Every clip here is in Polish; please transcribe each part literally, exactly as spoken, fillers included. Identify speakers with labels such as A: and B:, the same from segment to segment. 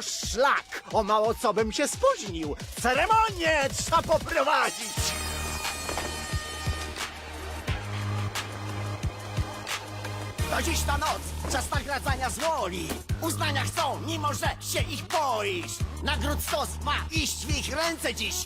A: szlak! O mało co bym się spóźnił! Ceremonię trzeba poprowadzić! To dziś ta noc, czas nagradzania z woli. Uznania chcą, mimo że się ich boisz. Nagród stos ma iść w ich ręce dziś.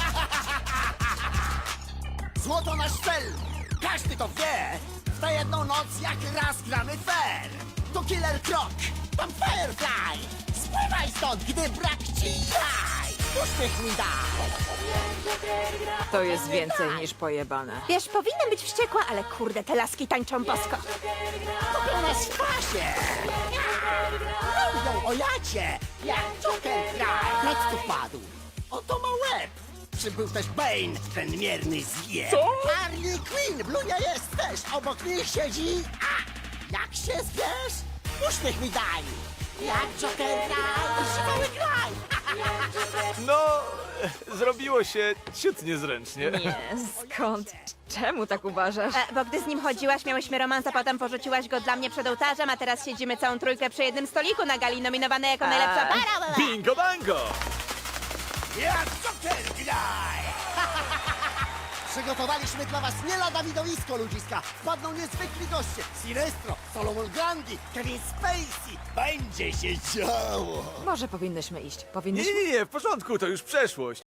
A: Złoto nasz cel, każdy to wie. W tę jedną noc jak raz gramy fair. To Killer Croc, tam Firefly. Spływaj stąd, gdy brak ci jaj. Uśmiech mi daj.
B: To jest więcej niż pojebane.
C: Wiesz, powinnam być wściekła, ale kurde, te laski tańczą bosko.
A: Kupią nas w pasie. Mówią o jacie, jak Joker kraj. Noc tu padł, oto ma łeb. Przybył też Bane, ten mierny zje. Co? Harley Quinn, Blunia jest też, obok nich siedzi. A, jak się zbierz? Uśmiech mi daj. Jak Joker kraj, używały kraj.
D: No, zrobiło się ciut niezręcznie.
B: Nie, skąd? Czemu tak uważasz?
C: E, bo gdy z nim chodziłaś, miałyśmy romans, a potem porzuciłaś go dla mnie przed ołtarzem, a teraz siedzimy całą trójkę przy jednym stoliku na gali, nominowane jako najlepsza para.
D: Bingo bango!
A: Jak Joker kraj. Przygotowaliśmy dla was nie lada widowisko, ludziska. Wpadną niezwykli goście. Sinestro, Solomon Grundy, Kevin Spacey. Będzie się działo.
B: Może powinnyśmy iść.
D: Nie,
B: Powinnyśmy?
D: nie, nie, w porządku, to już przeszłość.